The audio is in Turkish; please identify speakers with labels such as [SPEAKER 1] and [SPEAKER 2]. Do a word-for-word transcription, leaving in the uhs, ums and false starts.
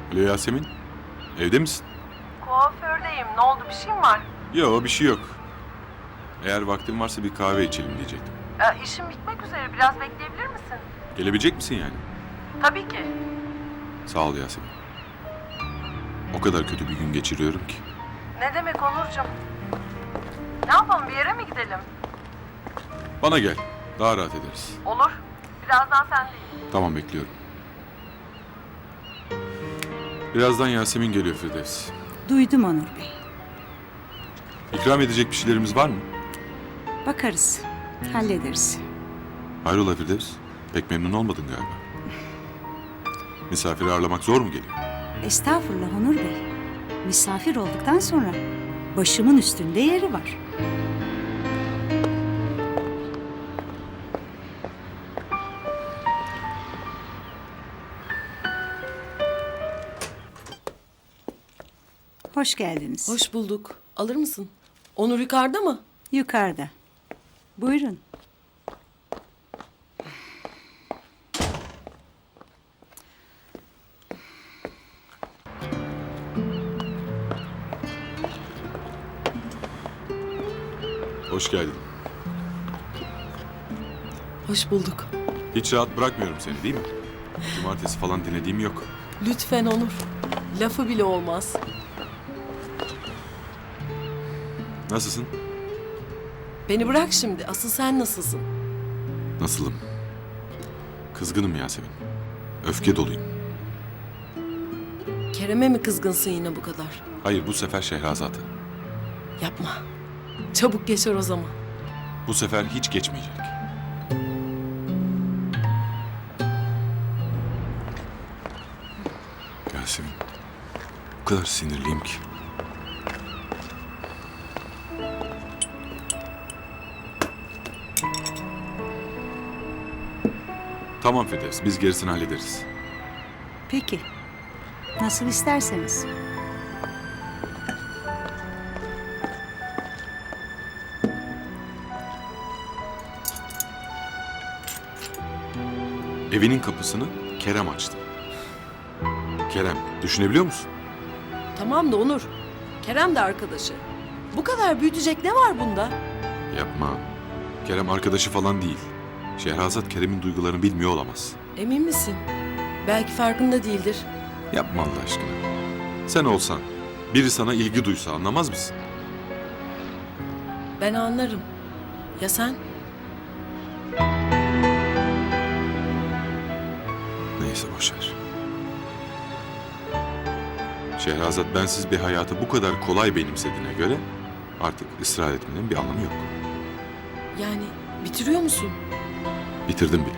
[SPEAKER 1] Alo Yasemin, evde misin?
[SPEAKER 2] Kuafördeyim. Ne oldu? Bir şey mi var?
[SPEAKER 1] Yok, bir şey yok. Eğer vaktin varsa bir kahve içelim diyecektim.
[SPEAKER 2] Ee, işim bitmek üzere. Biraz bekleyebilir misin?
[SPEAKER 1] Gelebilecek misin yani?
[SPEAKER 2] Tabii ki.
[SPEAKER 1] Sağ ol Yasemin. O kadar kötü bir gün geçiriyorum ki.
[SPEAKER 2] Ne demek Onurcuğum? Ne yapalım? Bir yere mi gidelim?
[SPEAKER 1] Bana gel, daha rahat ederiz.
[SPEAKER 2] Olur. Birazdan sendeyim.
[SPEAKER 1] Tamam, bekliyorum. Birazdan Yasemin geliyor Firdevs.
[SPEAKER 3] Duydum Onur Bey.
[SPEAKER 1] İkram edecek bir şeylerimiz var mı?
[SPEAKER 3] Bakarız. Hallederiz.
[SPEAKER 1] Hayrola Firdevs? Pek memnun olmadın galiba. Misafiri ağırlamak zor mu geliyor?
[SPEAKER 3] Estağfurullah Onur Bey. Misafir olduktan sonra başımın üstünde yeri var. Hoş geldiniz.
[SPEAKER 4] Hoş bulduk. Alır mısın? Onur yukarıda mı?
[SPEAKER 3] Yukarıda. Buyurun.
[SPEAKER 1] Hoş geldin.
[SPEAKER 4] Hoş bulduk.
[SPEAKER 1] Hiç rahat bırakmıyorum seni değil mi? Cumartesi falan dinlediğim yok.
[SPEAKER 4] Lütfen Onur. Lafı bile olmaz.
[SPEAKER 1] Nasılsın?
[SPEAKER 4] Beni bırak şimdi. Asıl sen nasılsın?
[SPEAKER 1] Nasılım? Kızgınım Yasemin. Öfke doluyum.
[SPEAKER 4] Kerem'e mi kızgınsın yine bu kadar?
[SPEAKER 1] Hayır, bu sefer Şehrazat'a.
[SPEAKER 4] Yapma. Çabuk geçer o zaman.
[SPEAKER 1] Bu sefer hiç geçmeyecek. Yasemin, o kadar sinirliyim ki. Tamam Firdevs, biz gerisini hallederiz.
[SPEAKER 3] Peki. Nasıl isterseniz.
[SPEAKER 1] Evinin kapısını Kerem açtı. Kerem, düşünebiliyor musun?
[SPEAKER 4] Tamam da Onur. Kerem de arkadaşı. Bu kadar büyütecek ne var bunda?
[SPEAKER 1] Yapma. Kerem arkadaşı falan değil. Şehrazat Kerem'in duygularını bilmiyor olamaz.
[SPEAKER 4] Emin misin? Belki farkında değildir.
[SPEAKER 1] Yapma Allah aşkına. Sen olsan, biri sana ilgi duysa anlamaz mısın?
[SPEAKER 4] Ben anlarım. Ya sen?
[SPEAKER 1] Neyse boşver. Şehrazat bensiz bir hayatı bu kadar kolay benimsediğine göre artık ısrar etmenin bir anlamı yok.
[SPEAKER 4] Yani bitiriyor musun?
[SPEAKER 1] Bitirdim bile.